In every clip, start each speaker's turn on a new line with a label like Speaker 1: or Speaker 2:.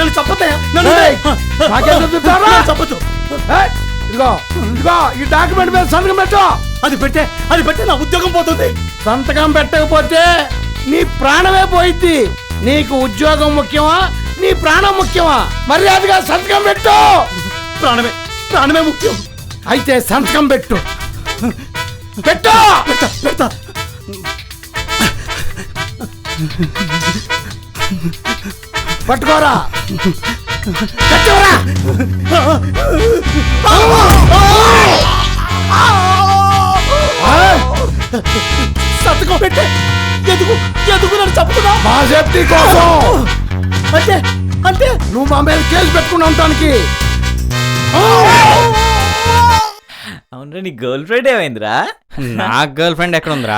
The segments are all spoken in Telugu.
Speaker 1: నన్ను చెప్పొద్దా చెప్పొద్దు.
Speaker 2: ఇదిగో ఇదిగో ఈ డాక్యుమెంట్ మీద సంతకం పెట్టు.
Speaker 1: అది పెట్టే నా ఉద్యోగం పోతుంది.
Speaker 2: సంతకం పెట్టకపోతే నీ ప్రాణమే పోయిద్ది. నీకు ఉద్యోగం ముఖ్యమా నీ ప్రాణం ముఖ్యమా? మర్యాదగా సంతకం పెట్టు.
Speaker 1: ప్రాణమే ముఖ్యం.
Speaker 2: అయితే సంతకం పెట్టు. పెట్టు.
Speaker 1: పెడతా.
Speaker 2: పట్టుకోరా. కట్టుకోరా.
Speaker 1: సంతకం పెట్టే. ఎందుకు నన్ను చెప్తున్నా?
Speaker 2: మా సేఫ్టీ కోసం.
Speaker 1: అంటే
Speaker 2: నువ్వు మా మీద కేసు పెట్టుకుని ఉండటానికి.
Speaker 3: అవునరా, నీ గర్ల్ ఫ్రెండ్ ఏమైందిరా?
Speaker 4: నా గర్ల్ ఫ్రెండ్ ఎక్కడ ఉందిరా?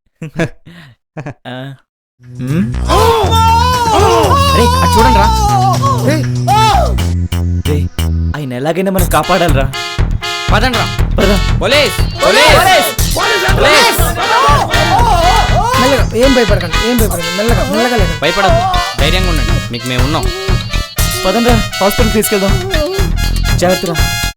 Speaker 4: చూడండి రా.
Speaker 3: ఆయన ఎలాగైనా మనం కాపాడాలరా.
Speaker 4: పదండి రా. పోలీస్.
Speaker 5: ఏం భయపడకండి, మెల్లగా లేకండి.
Speaker 4: భయపడదు, ధైర్యంగా ఉండండి, మీకు మేము ఉన్నాం.
Speaker 3: పదండ్రా, హాస్పిటల్ తీసుకెళ్దాం. జాగ్రత్తగా.